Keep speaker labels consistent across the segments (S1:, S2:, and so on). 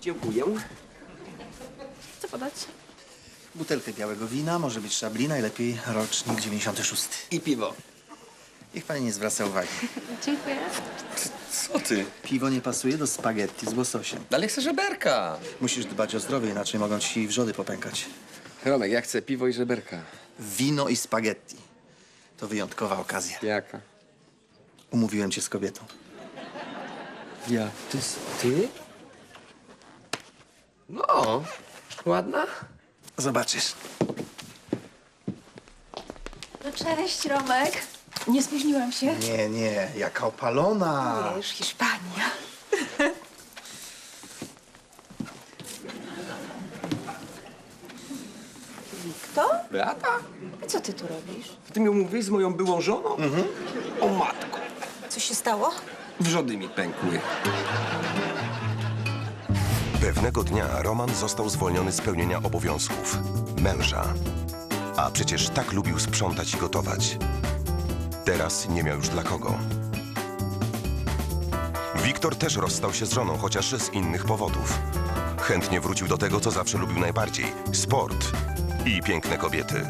S1: Dziękuję.
S2: Co podać?
S3: Butelkę białego wina, może być szabli, najlepiej rocznik 96.
S1: I piwo.
S3: Niech pani nie zwraca uwagi.
S2: Dziękuję.
S1: Co ty?
S3: Piwo nie pasuje do spaghetti z łososiem.
S1: Dalej chcę żeberka.
S3: Musisz dbać o zdrowie, inaczej mogą ci wrzody popękać.
S1: Romek, ja chcę piwo i żeberka.
S3: Wino i spaghetti. To wyjątkowa okazja.
S1: Jaka?
S3: Umówiłem cię z kobietą.
S1: Ja. Ty? No. Ładna?
S3: Zobaczysz.
S2: No cześć, Romek. Nie spóźniłam się.
S3: Nie, jaka opalona.
S2: Wiesz, Hiszpania. Wiktor?
S1: Beata?
S2: A co ty tu robisz?
S1: Ty mi umówiłeś z moją byłą żoną? O matko.
S2: Co się stało?
S1: Wrzody mi pękły.
S4: Pewnego dnia Roman został zwolniony z pełnienia obowiązków męża. A przecież tak lubił sprzątać i gotować. Teraz nie miał już dla kogo. Wiktor też rozstał się z żoną, chociaż z innych powodów. Chętnie wrócił do tego, co zawsze lubił najbardziej – sport i piękne kobiety.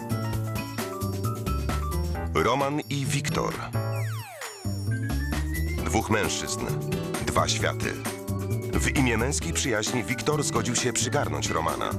S4: Roman i Wiktor. Dwóch mężczyzn, dwa światy. W imię męskiej przyjaźni Wiktor zgodził się przygarnąć Romana.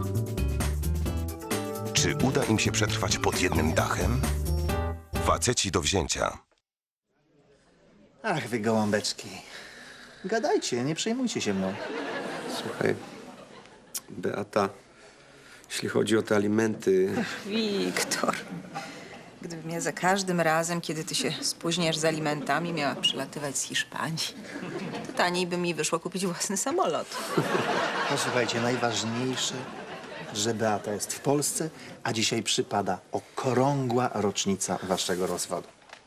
S4: Czy uda im się przetrwać pod jednym dachem? Faceci do wzięcia.
S3: Ach, wy gołąbeczki. Gadajcie, nie przejmujcie się mną.
S1: Słuchaj, Beata, jeśli chodzi o te alimenty...
S5: Wiktor, gdybym ja za każdym razem, kiedy ty się spóźniasz z alimentami, miała przylatywać z Hiszpanii, to taniej by mi wyszło kupić własny samolot.
S3: Posłuchajcie, najważniejsze, że Beata jest w Polsce, a dzisiaj przypada okrągła rocznica waszego rozwodu.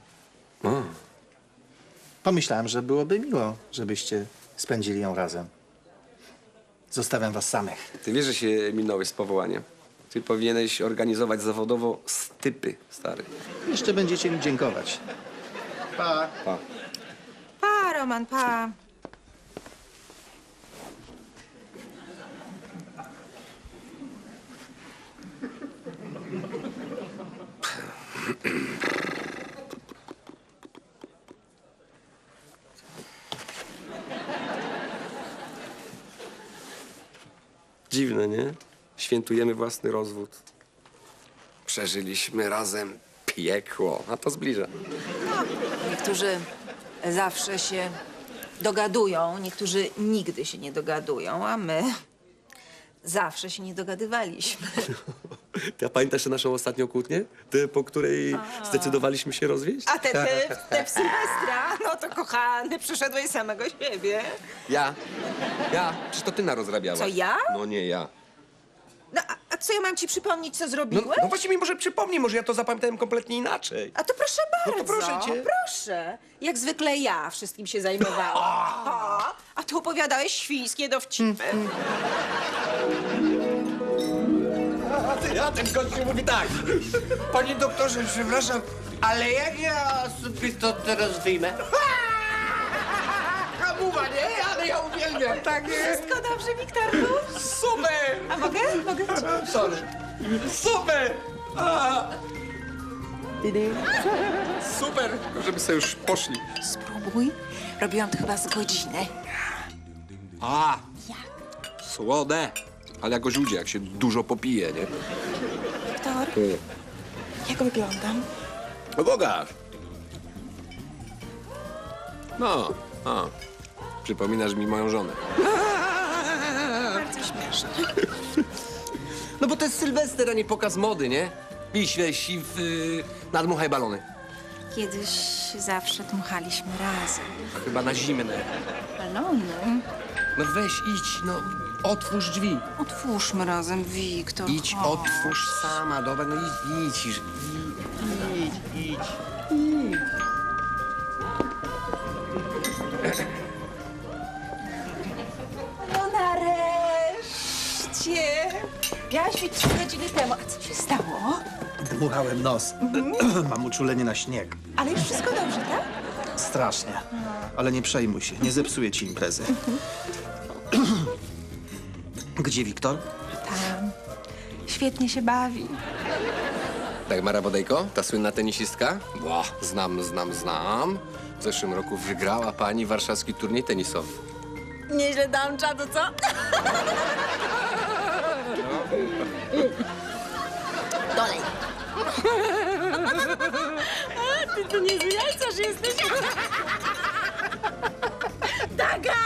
S3: Pomyślałem, że byłoby miło, żebyście spędzili ją razem. Zostawiam was samych.
S1: Ty wiesz, że się minąłeś z powołaniem. Ty powinieneś organizować zawodowo stypy, stary.
S3: Jeszcze będziecie mi dziękować. Pa.
S1: Pa.
S5: Pa, Roman, pa.
S1: Dziwne, nie? Świętujemy własny rozwód. Przeżyliśmy razem piekło, a to zbliża.
S5: Niektórzy zawsze się dogadują, niektórzy nigdy się nie dogadują, a my zawsze się nie dogadywaliśmy.
S1: Ty, a pamiętasz naszą ostatnią kłótnię? Tę, po której zdecydowaliśmy się rozwieść?
S5: A te w Sylwestra, no to kochany, przyszedłeś samego siebie.
S1: Ja? Przecież to ty narozrabiałaś.
S5: Co, ja?
S1: No nie ja.
S5: No, a co ja mam ci przypomnieć, co
S1: No,
S5: zrobiłem?
S1: no właśnie mi może przypomnij, może ja to zapamiętałem kompletnie inaczej.
S5: A to proszę bardzo.
S1: No to proszę cię.
S5: Proszę. Jak zwykle ja wszystkim się zajmowałam. A ty opowiadałeś świńskie dowcipy.
S6: A ten gościu mówi tak. Panie doktorze, przepraszam, ale jak ja sobie to teraz wyjmę? Hamuwa, nie? Ale ja uwielbiam, tak jest.
S5: Wszystko dobrze, Wiktorku?
S6: Super!
S5: A mogę? Mogę?
S6: Sorry. Super!
S1: Super, żeby sobie już poszli.
S5: Spróbuj. Robiłam to chyba z godzinę.
S1: A! Słode. Ale jak o źródzie, jak się dużo popije, nie?
S5: Wiktor, jak wyglądam?
S1: No Bogaż. No, przypominasz mi moją żonę.
S5: Bardzo śmieszne.
S1: No bo to jest Sylwester, a nie pokaz mody, nie? Iść, weź i nadmuchaj balony.
S5: Kiedyś zawsze dmuchaliśmy razem.
S1: Chyba na zimne.
S5: Balony?
S1: No weź, idź, no otwórz drzwi.
S5: Otwórzmy razem, Wiktor.
S1: Idź,
S5: chodź.
S1: otwórz sama, dobra, no idź. Idź.
S5: No nareszcie! Miałaś być 3 godziny temu. A co się stało?
S3: Dmuchałem nos. Mam uczulenie na śnieg.
S5: Ale już wszystko dobrze, tak?
S3: Strasznie. Ale nie przejmuj się, nie zepsuję ci imprezy. Gdzie Wiktor?
S5: Tam. Świetnie się bawi.
S1: Dagmara Bodejko, ta słynna tenisistka? Ła, znam. W zeszłym roku wygrała pani warszawski turniej tenisowy.
S5: Nieźle dałam czadu, co? Dolej. A, ty to niezły jajcarz jesteś. Daga!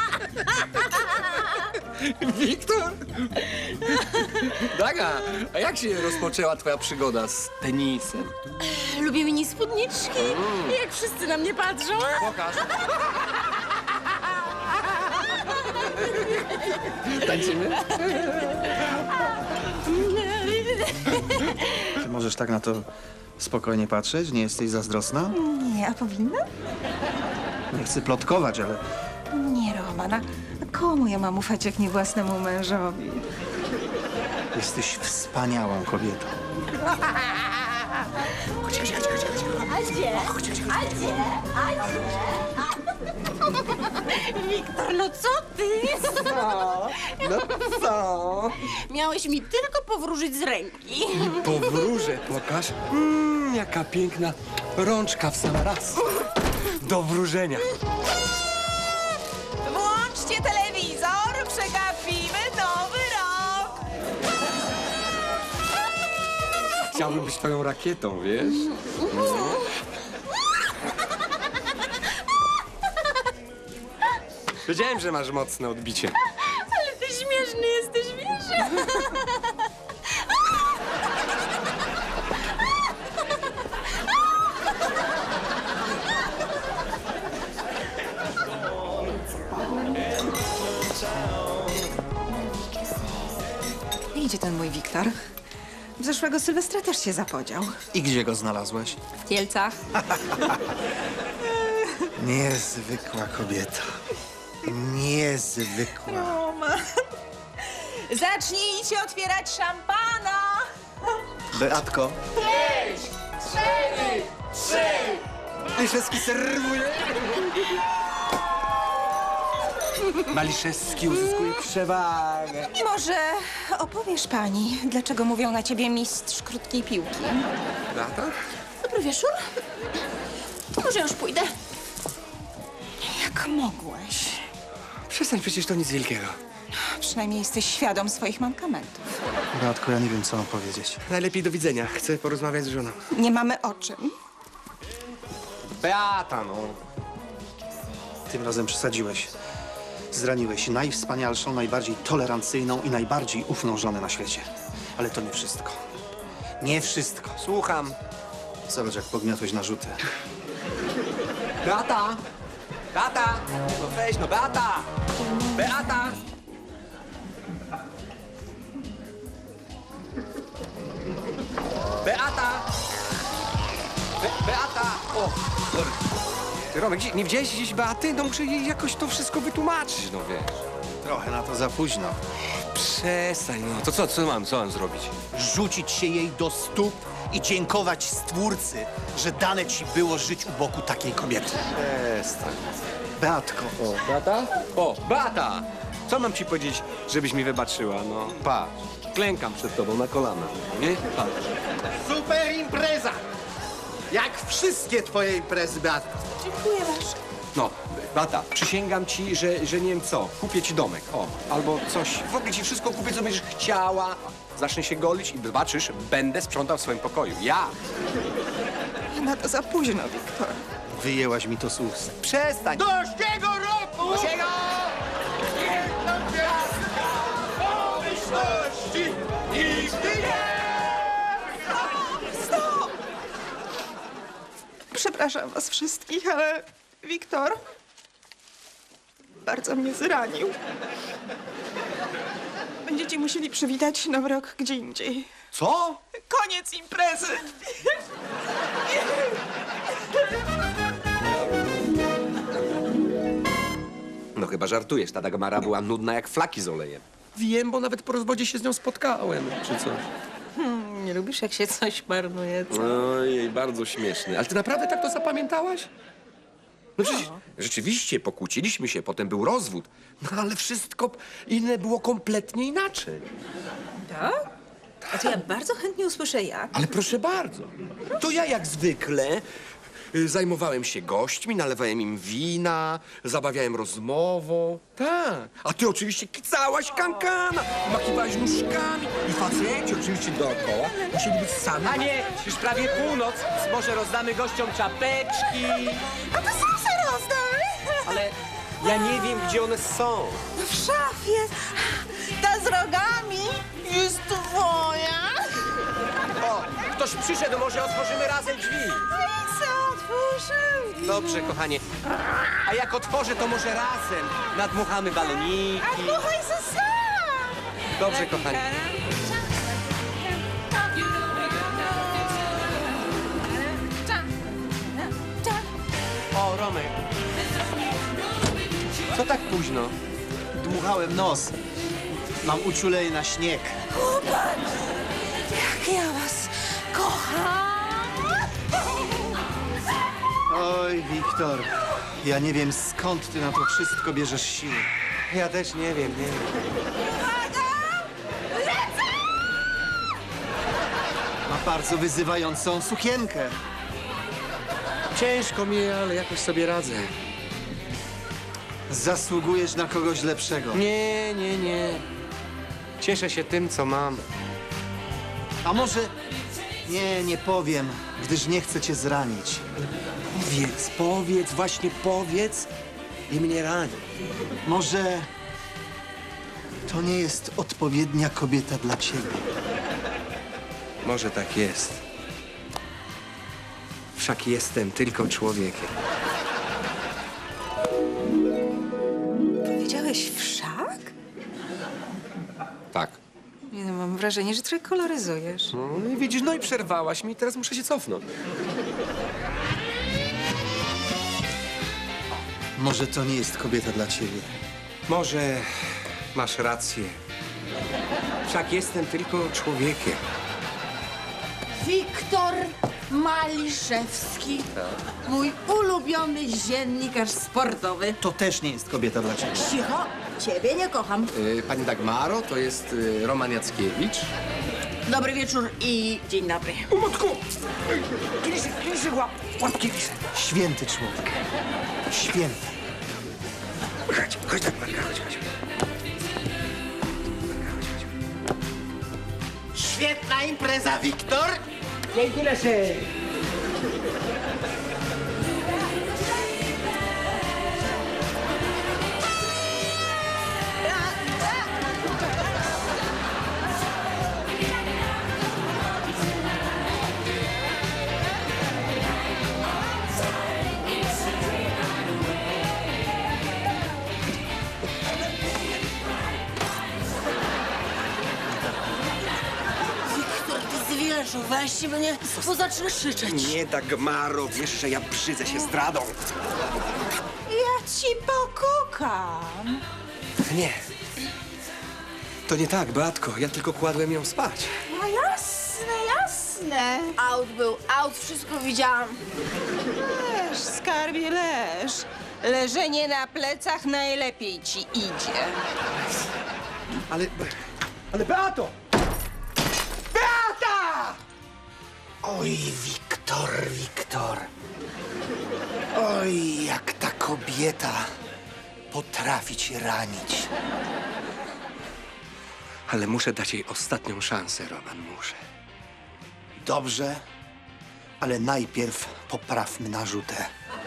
S1: Wiktor! Daga, a jak się rozpoczęła twoja przygoda z tenisem?
S2: Lubię mini spódniczki. Jak wszyscy na mnie patrzą.
S1: Pokaż. Tańczymy?
S3: Ty możesz tak na to spokojnie patrzeć? Nie jesteś zazdrosna?
S5: Nie, a powinna?
S3: Nie chcę plotkować, ale
S5: Nie, Roman. A komu ja mam ufać, jak nie własnemu mężowi?
S3: jesteś wspaniałą kobietą.
S2: Wiktor, no co ty?
S1: No co?
S2: Miałeś mi tylko powróżyć z ręki.
S1: Powróżę, pokaż. Jaka piękna rączka w sam raz. Do wróżenia.
S5: Włączcie telewizor, przegapimy nowy rok!
S1: Chciałbym być twoją rakietą, wiesz? Wiedziałem, że masz mocne odbicie.
S2: Ale ty śmieszny jesteś, wiesz?
S5: Idzie ten mój Wiktor. Zeszłego Sylwestra też się zapodział.
S3: I gdzie go znalazłeś?
S5: W Kielcach.
S3: Niezwykła kobieta. Niezwykła.
S5: Zacznijcie otwierać szampana!
S3: Beatko.
S1: Maliszewski serwuje. Maliszewski uzyskuje przewagę.
S5: Może opowiesz pani, dlaczego mówią na ciebie mistrz krótkiej piłki?
S1: Beata?
S2: Dobry wieczór. Może już pójdę.
S5: Jak mogłeś?
S1: Przestań, przecież to nic wielkiego.
S5: Przynajmniej jesteś świadom swoich mankamentów.
S3: Beatko, ja nie wiem, co mam powiedzieć.
S1: Najlepiej do widzenia. Chcę porozmawiać z żoną.
S5: Nie mamy o czym.
S1: Beata, no.
S3: Tym razem przesadziłeś. Zraniłeś najwspanialszą, najbardziej tolerancyjną i najbardziej ufną żonę na świecie. Ale to nie wszystko. Nie wszystko.
S1: Słucham.
S3: Zobacz, jak pogniotłeś narzuty.
S1: Beata! Beata! No weź, no Beata! Beata! Beata! Beata! O! Sorry. Ty, Romek, nie widziałeś gdzieś Beaty? No muszę jej jakoś to wszystko wytłumaczyć, no wiesz.
S3: Trochę na to za późno.
S1: Przestań, no. To co mam zrobić?
S3: Rzucić się jej do stóp i dziękować Stwórcy, że dane ci było żyć u boku takiej kobiety.
S1: Przestań.
S3: Beatko,
S1: O, Beata? O, Beata! Co mam ci powiedzieć, żebyś mi wybaczyła, no? Patrz, klękam przed tobą na kolana, nie? Patrz.
S3: super impreza! Jak wszystkie twoje imprezy, Beatko.
S5: Dziękuję bardzo.
S1: No, Beata, przysięgam ci, że nie wiem co, kupię ci domek, o, albo coś, w ogóle ci wszystko kupię, co będziesz chciała. Zacznę się golić i zobaczysz, będę sprzątał w swoim pokoju. Ja!
S5: Na to za późno, Wiktor.
S3: Wyjęłaś mi to z ust.
S1: Przestań!
S3: Dożkiego roku!
S1: Dosięga!
S3: Jedna gwiazdka pomyślności nigdy nie!
S5: Przepraszam was wszystkich, ale Wiktor bardzo mnie zranił. Będziecie musieli przywitać Nowy Rok gdzie indziej.
S1: Co?
S5: Koniec imprezy!
S1: No chyba żartujesz, ta Dagmara była nudna jak flaki z olejem. Wiem, bo nawet po rozwodzie się z nią spotkałem, czy coś.
S5: Nie lubisz, jak się coś marnuje, co?
S1: Ojej, bardzo śmieszny. Ale ty naprawdę tak to zapamiętałaś? No przecież rzeczywiście pokłóciliśmy się, potem był rozwód. No ale wszystko inne było kompletnie inaczej.
S5: Tak? A to ja bardzo chętnie usłyszę jak.
S1: Ale proszę bardzo. To ja jak zwykle zajmowałem się gośćmi, nalewałem im wina, zabawiałem rozmową. Tak. A ty oczywiście kicałaś kankana, makiwałaś nóżkami i faceci oczywiście dookoła musieli być sami. A nie, już prawie północ, może rozdamy gościom czapeczki.
S5: A to sam se rozdaj!
S1: Ale ja nie wiem, gdzie one są.
S5: W szafie. Ta z rogami jest twoja.
S1: O, ktoś przyszedł, może otworzymy razem drzwi.
S5: I co otworzył?
S1: Dobrze, kochanie. A jak otworzę, to może razem nadmuchamy baloniki.
S5: A dmuchaj se sam.
S1: Dobrze, kochanie. O, Romek. Co tak późno?
S3: Dmuchałem nos. Mam uczulenie na śnieg.
S5: Jak ja was kocham.
S3: Oj, Wiktor, ja nie wiem, skąd ty na to wszystko bierzesz siły.
S1: Ja też nie wiem.
S3: Ma bardzo wyzywającą sukienkę.
S1: Ciężko mi, ale jakoś sobie radzę.
S3: Zasługujesz na kogoś lepszego.
S1: Nie. Cieszę się tym, co mam.
S3: A może... Nie powiem, gdyż nie chcę cię zranić.
S1: Powiedz, właśnie powiedz i mnie rani.
S3: Może to nie jest odpowiednia kobieta dla ciebie.
S1: Może tak jest. Wszak jestem tylko człowiekiem.
S5: Powiedziałeś wszak?
S1: Tak.
S5: Nie, no, mam wrażenie, że trochę koloryzujesz.
S1: No i widzisz, no i przerwałaś mi, teraz muszę się cofnąć.
S3: Może to nie jest kobieta dla ciebie.
S1: Może masz rację. Wszak jestem tylko człowiekiem.
S2: Wiktor Maliszewski. Mój ulubiony dziennikarz sportowy.
S3: To też nie jest kobieta dla ciebie.
S2: Cicho, ciebie nie kocham.
S1: Pani Dagmaro, to jest Roman Jackiewicz.
S2: Dobry wieczór i dzień dobry.
S1: Matku! Kilisy, łapki kilisy.
S3: Święty człowiek. Święty.
S1: Chodź Dagmarka, chodź.
S6: Świetna impreza, Wiktor!
S1: Dzięki Lesy.
S2: Wiktor, ty zwierzu, weź mnie, bo zacznę krzyczeć.
S1: Nie, Dagmaro, wiesz, że ja brzydzę się zdradą.
S5: Ja ci pokukam.
S1: Nie. To nie tak, Beatko, ja tylko kładłem ją spać.
S5: No jasne.
S2: Aut był aut, wszystko widziałam.
S5: Leż, skarbie, leż. Leżenie na plecach najlepiej ci idzie.
S1: Ale Beato! Beata!
S3: Oj, Wiktor. Oj, jak ta kobieta potrafi cię ranić.
S1: Ale muszę dać jej ostatnią szansę, Roman, muszę.
S3: Dobrze, ale najpierw poprawmy narzutę.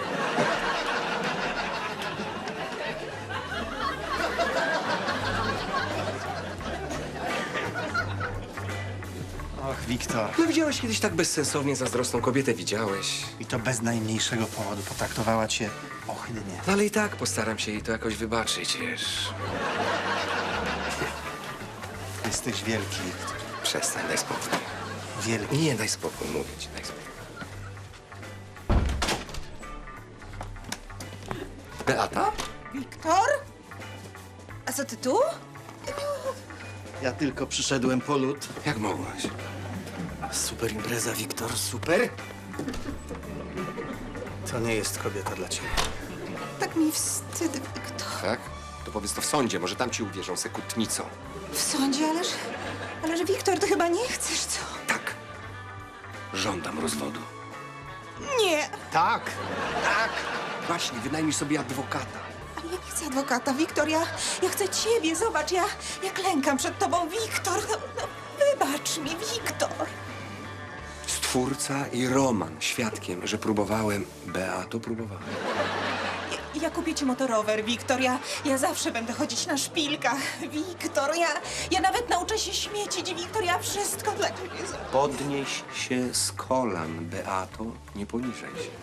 S3: Och, Wiktor.
S1: No widziałeś kiedyś tak bezsensownie zazdrosną kobietę, widziałeś.
S3: I to bez najmniejszego powodu potraktowała cię ohydnie.
S1: No ale i tak postaram się jej to jakoś wybaczyć, wiesz.
S3: Jesteś wielki, Wiktor.
S1: Przestań, daj spokój.
S3: Wielki.
S1: Nie, daj spokój, mówię ci, daj spokój. Beata?
S5: Wiktor? A co ty tu?
S3: Ja tylko przyszedłem po lód.
S1: Jak mogłaś?
S3: Super impreza, Wiktor, super. To nie jest kobieta dla ciebie.
S5: Tak mi wstyd, Wiktor.
S1: Tak? To powiedz to w sądzie, może tam ci uwierzą sekutnicą.
S5: W sądzie, ależ Wiktor, ty chyba nie chcesz, co?
S1: Tak. Żądam rozwodu.
S5: Nie,
S3: Tak!
S1: Tak! Właśnie, wynajmij sobie adwokata.
S5: ale ja nie chcę adwokata, Wiktor, ja chcę ciebie, zobacz, ja klękam przed tobą, Wiktor, no wybacz mi, Wiktor.
S1: Stwórca i Roman świadkiem, że próbowałem. Beato, próbowałem.
S5: Ja kupię ci motorower, Wiktor, ja zawsze będę chodzić na szpilkach, Wiktor, ja nawet nauczę się śmiecić, Wiktor, ja wszystko dla ciebie zrobię.
S1: Podnieś się z kolan, Beato, nie poniżej się.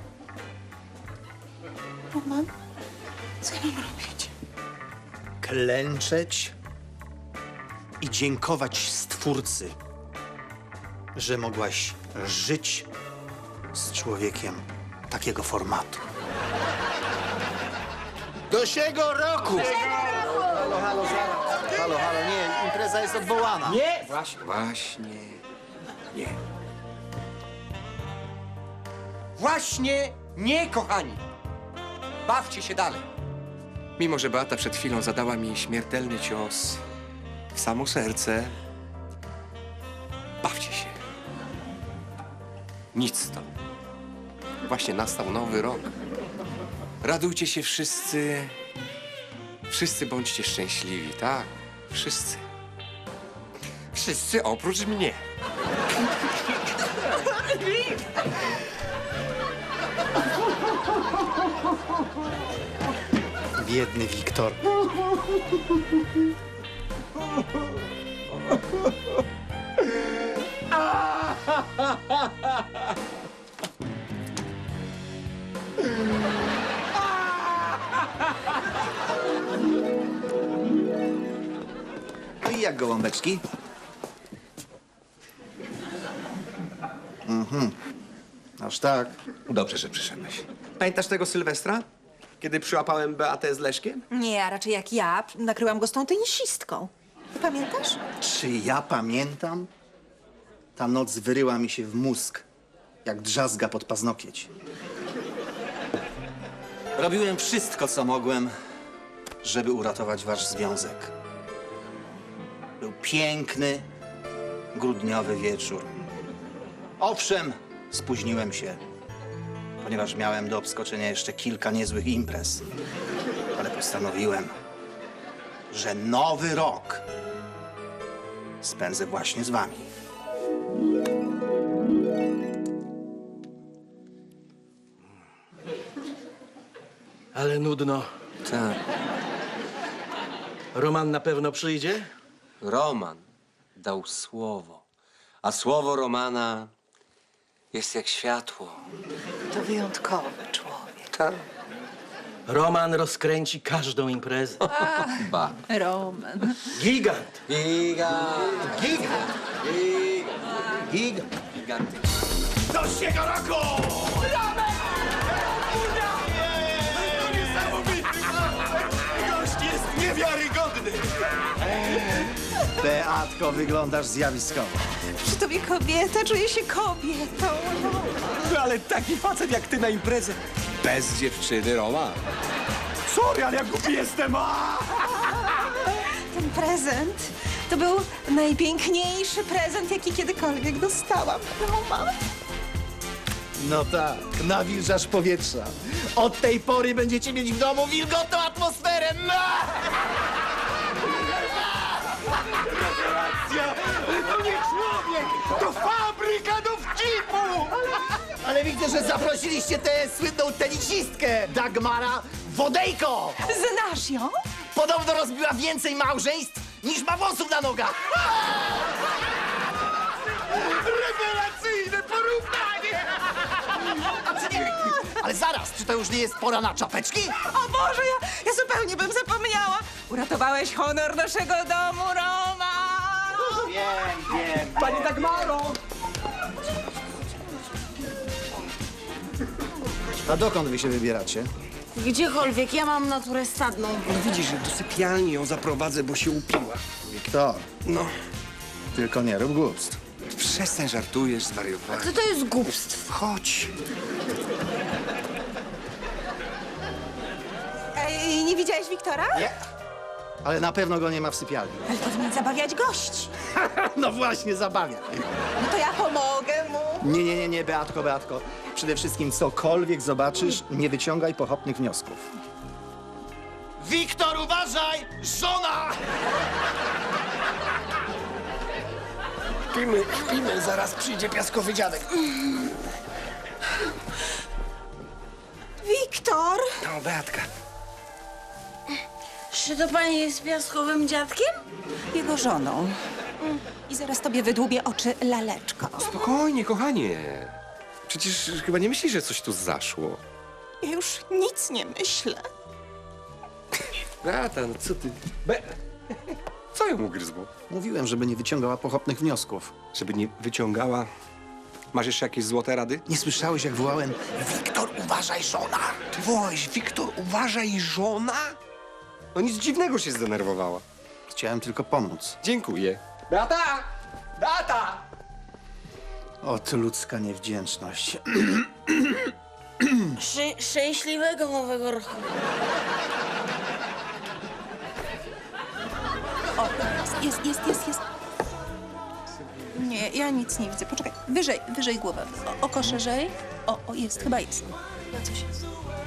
S5: Roman, co ja mam robić?
S3: Klęczeć i dziękować Stwórcy, że mogłaś żyć z człowiekiem takiego formatu. Do siego roku! Halo, zaraz. Halo, nie, impreza jest odwołana.
S6: Nie!
S1: Właśnie, nie.
S6: Właśnie nie, kochani! Bawcie się dalej.
S1: Mimo że Beata przed chwilą zadała mi śmiertelny cios w samo serce, bawcie się. Nic to. Właśnie nastał nowy rok. Radujcie się wszyscy. Wszyscy bądźcie szczęśliwi, tak? Wszyscy. Wszyscy oprócz mnie.
S3: Biedny Wiktor. No i jak gołąbeczki? Aż tak.
S1: Dobrze, że przyszedłeś. Pamiętasz tego Sylwestra? Kiedy przyłapałem Beatę z Leszkiem?
S5: Nie, a raczej jak ja, nakryłam go z tą tenisistką. Ty pamiętasz?
S3: Czy ja pamiętam? Ta noc wyryła mi się w mózg, jak drzazga pod paznokieć. Robiłem wszystko, co mogłem, żeby uratować wasz związek. Był piękny, grudniowy wieczór. Owszem, spóźniłem się, ponieważ miałem do obskoczenia jeszcze kilka niezłych imprez. Ale postanowiłem, że nowy rok spędzę właśnie z wami.
S7: Ale nudno.
S1: Tak.
S7: Roman na pewno przyjdzie?
S6: Roman dał słowo, a słowo Romana jest jak światło.
S5: To wyjątkowy człowiek.
S6: Tak.
S7: Roman rozkręci każdą imprezę.
S6: Ba.
S5: Roman.
S7: Gigant!
S6: Gigant.
S3: Gigant! Gigant!
S6: Giganty.
S3: Beatko, wyglądasz zjawiskowo.
S5: Przy tobie kobieta, czuję się kobietą.
S1: No ale taki facet jak ty na imprezę. Bez dziewczyny, Roma. Sorry, ale jak głupi jestem.
S5: Ten prezent to był najpiękniejszy prezent, jaki kiedykolwiek dostałam. Roman.
S3: No tak, nawilżasz powietrza. Od tej pory będziecie mieć w domu wilgotną atmosferę.
S6: To nie człowiek, to fabryka dowcipu!
S3: Ale widzę, że zaprosiliście tę słynną tenisistkę, Dagmara Wodejko.
S5: Znasz ją?
S3: Podobno rozbiła więcej małżeństw niż ma włosów na nogach.
S6: Rewelacyjne porównanie!
S3: Ale zaraz, czy to już nie jest pora na czapeczki?
S5: O Boże, ja zupełnie bym zapomniała. Uratowałeś honor naszego domu, Roman.
S3: Wiem.
S1: Pani Dagmaro!
S3: A dokąd wy się wybieracie?
S2: Gdziekolwiek, ja mam naturę stadną.
S1: No widzisz, że do sypialni ją zaprowadzę, bo się upiła.
S3: Wiktor,
S1: No,
S3: tylko nie rób głupstw.
S1: przestań, żartujesz, zwariowałeś.
S2: Co to jest głupstwo?
S1: Chodź.
S5: Ej, nie widziałeś Wiktora?
S3: Nie. Ale na pewno go nie ma w sypialni.
S5: Ale powinien zabawiać gości.
S3: No właśnie, zabawia.
S5: No to ja pomogę mu.
S3: Nie, Beatko, Beatko. Przede wszystkim cokolwiek zobaczysz, nie wyciągaj pochopnych wniosków. Wiktor, uważaj! Żona!
S1: Śpimy, zaraz przyjdzie piaskowy dziadek.
S5: Wiktor!
S1: No, Beatka.
S2: Czy to pani jest piaskowym dziadkiem?
S5: Jego żoną. I zaraz tobie wydłubię oczy laleczko.
S1: Spokojnie, kochanie. Przecież chyba nie myślisz, że coś tu zaszło.
S5: Ja już nic nie myślę.
S1: Beata, no co ty? Co ją ugryzło?
S3: Mówiłem, żeby nie wyciągała pochopnych wniosków.
S1: Żeby nie wyciągała... Masz jeszcze jakieś złote rady?
S3: Nie słyszałeś, jak wołałem Wiktor, uważaj, żona!
S1: Ty wołałeś, Wiktor, uważaj, żona? No nic dziwnego się zdenerwowała.
S3: Chciałem tylko pomóc.
S1: Dziękuję. Beata! Beata!
S3: Ot, ludzka niewdzięczność.
S2: Szczęśliwego nowego roku.
S5: O, jest. Nie, ja nic nie widzę. Poczekaj, wyżej głowę. Oko szerzej. O, jest, chyba jest. Chyba coś jest.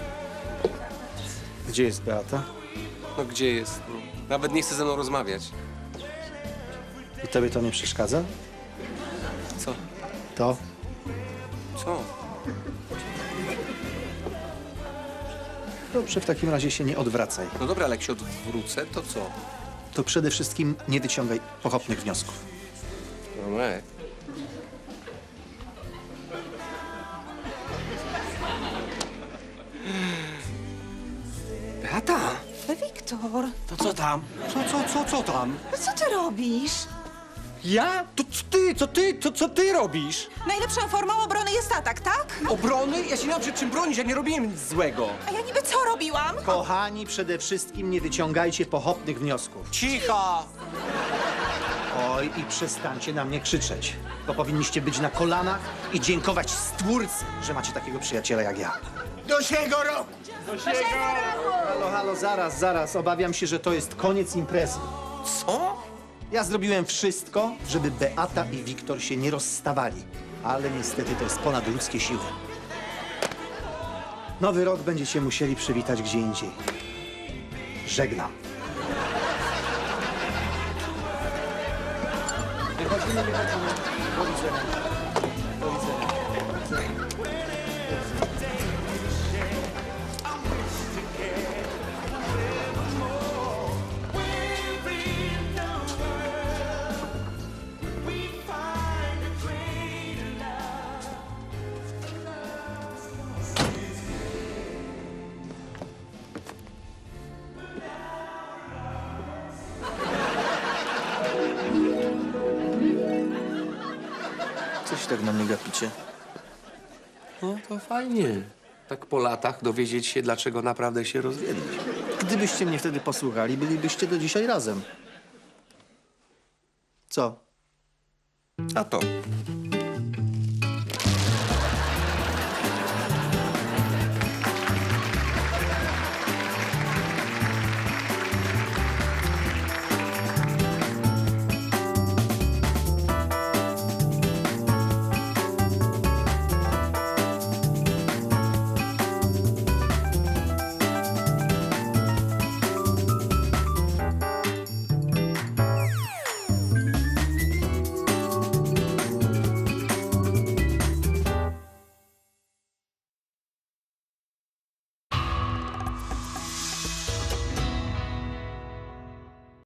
S3: Gdzie jest Beata?
S1: No gdzie jest? No, nawet nie chce ze mną rozmawiać.
S3: I tobie to nie przeszkadza?
S1: Co?
S3: To?
S1: Co?
S3: Dobrze, w takim razie się nie odwracaj.
S1: No dobra, ale jak się odwrócę, to co?
S3: To przede wszystkim nie wyciągaj pochopnych wniosków.
S1: Romek. Beata!
S5: Wiktor,
S1: To co tam? Co tam?
S5: no co ty robisz?
S1: Ja? To co ty robisz?
S5: Najlepszą formą obrony jest atak, tak?
S1: Obrony? Ja się nie mam przed czym bronić, ja nie robiłem nic złego.
S5: A ja niby co robiłam?
S3: Kochani, przede wszystkim nie wyciągajcie pochopnych wniosków.
S1: Cicho!
S3: Oj, i przestańcie na mnie krzyczeć, bo powinniście być na kolanach i dziękować Stwórcy, że macie takiego przyjaciela jak ja.
S6: Do siego roku!
S3: Halo, zaraz. Obawiam się, że to jest koniec imprezy.
S1: Co?
S3: Ja zrobiłem wszystko, żeby Beata i Wiktor się nie rozstawali, ale niestety to jest ponad ludzkie siły. Nowy rok będziecie musieli przywitać gdzie indziej. Żegnam. Wychodzimy. Do widzenia. Do widzenia.
S7: Coś tak na mnie gapicie.
S1: No to fajnie. Tak po latach dowiedzieć się, dlaczego naprawdę się rozwiedli.
S3: Gdybyście mnie wtedy posłuchali, bylibyście do dzisiaj razem. Co?
S1: A to.